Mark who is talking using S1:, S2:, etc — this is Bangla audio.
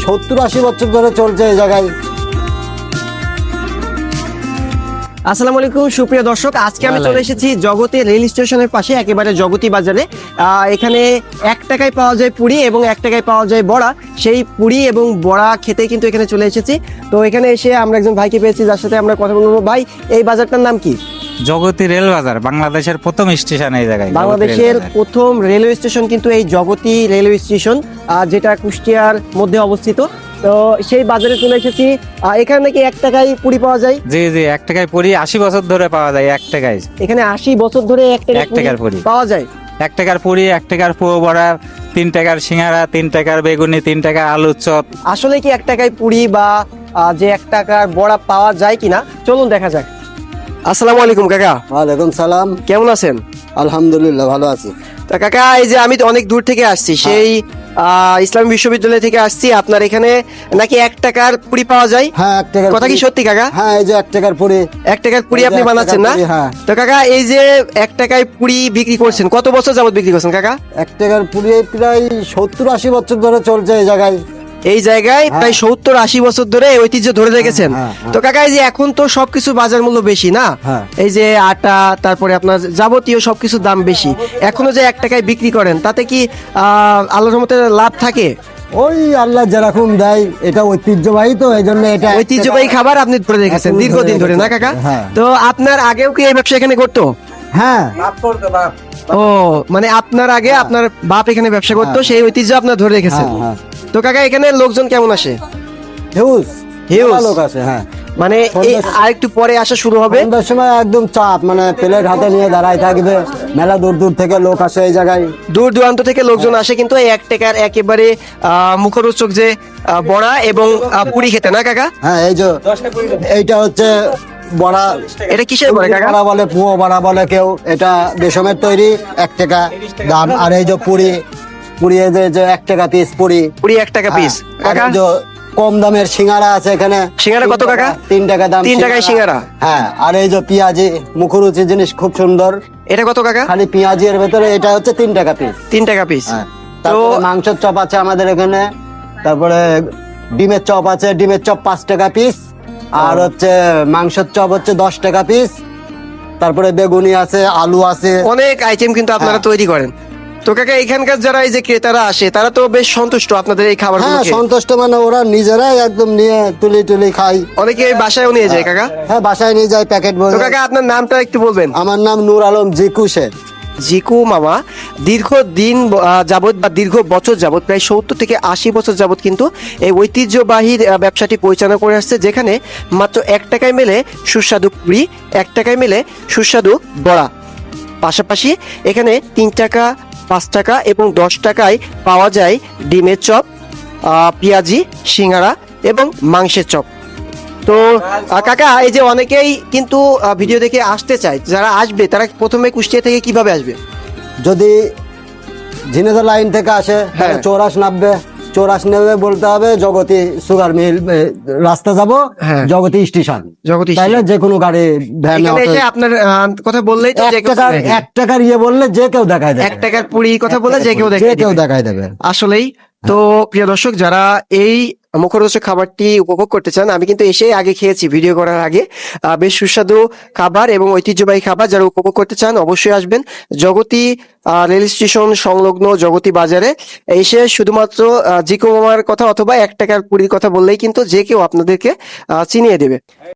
S1: 70-80 বছর ধরে চলছে এই জায়গায়।
S2: আসসালামু আলাইকুম সুপ্রিয় দর্শক, আজকে আমি চলে এসেছি জগতী রেল স্টেশনের পাশে একেবারে জগতী বাজারে। এখানে 1 টাকায় পাওয়া যায় পুরি এবং 1 টাকায় পাওয়া যায় বড়া। সেই পুরি এবং বড়া খেতে কিন্তু এখানে চলে এসেছি। তো এখানে এসে আমরা একজন ভাইকে পেয়েছি যার সাথে আমরা কথা বলবো। ভাই, এই বাজারটার নাম কি?
S3: জগতী রেল বাজার, বাংলাদেশের প্রথম স্টেশন এই জায়গায়।
S2: বাংলাদেশের প্রথম রেলওয়ে স্টেশন কিন্তু এই জগতী রেলওয়ে স্টেশন, যেটা কুষ্টিয়ার মধ্যে অবস্থিত। তো সেই বাজারে চলে এসেছি। এখানে নাকি 1 টাকায় পুরি পাওয়া যায়।
S3: জি জি, 1 টাকায় পুরি 80 বছর ধরে পাওয়া যায়। 1 টাকায়
S2: এখানে 80 বছর ধরে 1 টাকার পুরি পাওয়া যায়।
S3: 1 টাকার পুরি, 1 টাকার পুয়ো বড়া, 3 টাকার সিঙ্গারা, 3 টাকার বেগুনি, 3 টাকার আলুর চপ।
S2: আসলে কি 1 টাকায় পুরি বা যে 1 টাকার বড়া পাওয়া যায় কিনা, চলুন দেখা যাক। আসসালামু আলাইকুম কাকা।
S1: ওয়ালাইকুম সালাম।
S2: কেমন আছেন?
S1: আলহামদুলিল্লাহ, ভালো আছি।
S2: তা কাকা, এই যে আমি তো অনেক দূর থেকে আসছি, সেই ইসলামী বিশ্ববিদ্যালয় থেকে আসছি। আপনার এখানে নাকি 1 টাকার পুরি পাওয়া যায়?
S1: হ্যাঁ, 1 টাকার
S2: কথা কি
S1: পুরি।
S2: সত্যি কাকা?
S1: হ্যাঁ, এই যে 1 টাকার পুরি।
S2: 1 টাকার পুরি
S1: এই যে
S2: আপনি
S1: 1
S2: বানাচ্ছেন না?
S1: টাকার পুরি, হ্যাঁ।
S2: তো কাকা, এই যে 1 টাকায় পুরি বিক্রি করছেন, কত বছর যাবত বিক্রি করছেন কাকা?
S1: 1 টাকার পুরি প্রায় 70-80 বছর ধরে চলছে এই জায়গায়।
S2: এই জায়গায় প্রায় 70-80 বছর ধরে এই ঐতিহ্য ধরে রেখেছেন।
S1: হ্যাঁ, হ্যাঁ।
S2: তো কাকা, এই যে এখন তো সবকিছু বাজার মূল্য বেশি না,
S1: হ্যাঁ।
S2: এই যে আটা, তারপরে আপনার যাবতীয় সবকিছুর দাম বেশি, এখনো যে 1 টাকায় বিক্রি করেন, তাতে কি আল্লাহর রহমতে লাভ থাকে?
S1: ওই আল্লাহ যেরকম দেয়, এটা ঐতিহ্যবাহী, তো এই জন্য এটা
S2: ঐতিহ্যবাহী খাবার আপনি ধরে রেখেছেন
S1: এখন
S2: দীর্ঘদিন ধরে, না কাকা?
S1: হ্যাঁ।
S2: তো আপনার আগেও কি এই ব্যবসা এখানে করতো?
S1: হ্যাঁ,
S2: ও, মানে আপনার আগে আপনার বাপ এখানে ব্যবসা করতো, সেই ঐতিহ্য আপনার ধরে রেখেছেন।
S1: হ্যাঁ, হ্যাঁ।
S2: তো কাকা, এখানে লোকজন কেমন আসে?
S1: হিউজ
S2: হিউজ
S1: লোক আছে। হ্যাঁ,
S2: মানে এই আরেকটু পরে আসা শুরু হবে।
S1: সন্ধ্যার সময় একদম চাপ, মানে প্লেট হাতে নিয়ে দাঁড়ায় থাকবে। মেলা দূর দূর থেকে লোক আসে এই জায়গায়।
S2: দূর দূরান্ত থেকে লোকজন আসে কিন্তু এই 1 টাকার একেবারে মুখরোচক যে বড়া এবং পুরি খেতে, না কাকা?
S1: হ্যাঁ, এই যে এইটা হচ্ছে বড়া।
S2: এটা কিসের বড়া কাকা?
S1: বড়া বলে, পুয়ো বড়া বলে কেউ। এটা বেসমের তৈরি, 1 টাকা দাম। আর এই যে পুরি, পুরি এই যে 1 টাকা পিস পুরি।
S2: পুরি 1 টাকা পিস।
S1: আর
S2: কাকা,
S1: এই যে কম দামের সিঙ্গারা আছে এখানে।
S2: সিঙ্গারা কত কাকা?
S1: 3 টাকা দাম।
S2: 3 টাকায় সিঙ্গারা।
S1: হ্যাঁ, আর এই যে পেঁয়াজি, মুখরুচি জিনিস, খুব সুন্দর।
S2: এটা কত কাকা?
S1: খালি পেঁয়াজি এর ভেতরে। এটা হচ্ছে 3 টাকা পিস।
S2: 3 টাকা পিস।
S1: হ্যাঁ।
S2: তো
S1: তারপরে মাংসের চপ আছে আমাদের এখানে। তারপরে ডিমের চপ আছে, ডিমের চপ 5 টাকা পিস। আর হচ্ছে মাংসের চপ হচ্ছে 10 টাকা পিস। তারপরে বেগুনি আছে, আলু আছে।
S2: অনেক আইটেম কিন্তু আপনারা
S1: হ্যাঁ।
S2: তৈরি করেন। তো কাকা, এখানকার যারা এই যে ক্রেতারা আসে, তারা তো বেশ সন্তুষ্ট আপনাদের এই খাবারগুলো
S1: হ্যাঁ,
S2: খেয়ে?
S1: সন্তুষ্ট, মানে ওরা নিজেরাই একদম নিয়ে তুলি খায়।
S2: অনেকে এই বাসায়ও নিয়ে যায় কাকা?
S1: হ্যাঁ, বাসায় নিয়ে যায় প্যাকেট
S2: তো
S1: ভরে।
S2: কাকা, আপনার নামটা একটু বলবেন?
S1: আমার নাম নূর আলম জিকু শেখ।
S2: জিকু মামা দীর্ঘদিন যাবত বা দীর্ঘ বছর যাবত, প্রায় 70 থেকে 80 বছর যাবত কিন্তু এই ঐতিহ্যবাহী ব্যবসাটি পরিচালনা করে আসছে, যেখানে মাত্র 1 টাকায় মেলে সুস্বাদু পুরি, 1 টাকায় মেলে সুস্বাদু বড়া। পাশাপাশি এখানে 3 টাকা, 5 টাকা এবং 10 টাকায় পাওয়া যায় ডিমের চপ, পেঁয়াজি, সিঙ্গারা এবং মাংসের চপ। তো কাকা, এই যে অনেকেই কিন্তু ভিডিও দেখে আসতে চায়, যারা আসবে তারা প্রথমে কুষ্টিয়া থেকে কিভাবে আসবে?
S1: যদি ঝিনেদা লাইন থেকে আসে তাহলে
S2: হ্যাঁ।
S1: 84 নামবে। 84 নেবে বলতে হবে জগতী সুগার মিল রাস্তা যাব,
S2: হ্যাঁ।
S1: জগতী স্টেশন।
S2: জগতী
S1: তাইলে যে কোনো গাড়ি, ভ্যান,
S2: এখানে এসে আপনার কথা বললেই তো যে কেউ দেখায়।
S1: 1 টাকার ইয়ে বললে যে কেউ দেখায় দেবে।
S2: 1 টাকার পুরি কথা বলে যে কেউ
S1: যে
S2: দেখায়
S1: কেউ
S2: দিবে।
S1: দেখায় দেবে।
S2: আসলেই তো প্রিয় দর্শক, যারা এই মুখরোচক খাবারটি উপভোগ করতে চান, আমি কিন্তু এসে আগে খেয়েছি ভিডিও করার আগে। বেশ সুস্বাদু খাবার এবং ঐতিহ্যবাহী খাবার যারা উপভোগ করতে চান অবশ্যই আসবেন জগতী রেল স্টেশন সংলগ্ন জগতী বাজারে। এসে শুধুমাত্র জিকো মামার কথা অথবা 1 টাকার পুরির কথা বললেই কিন্তু যে কেউ আপনাদেরকে চিনিয়ে দেবে।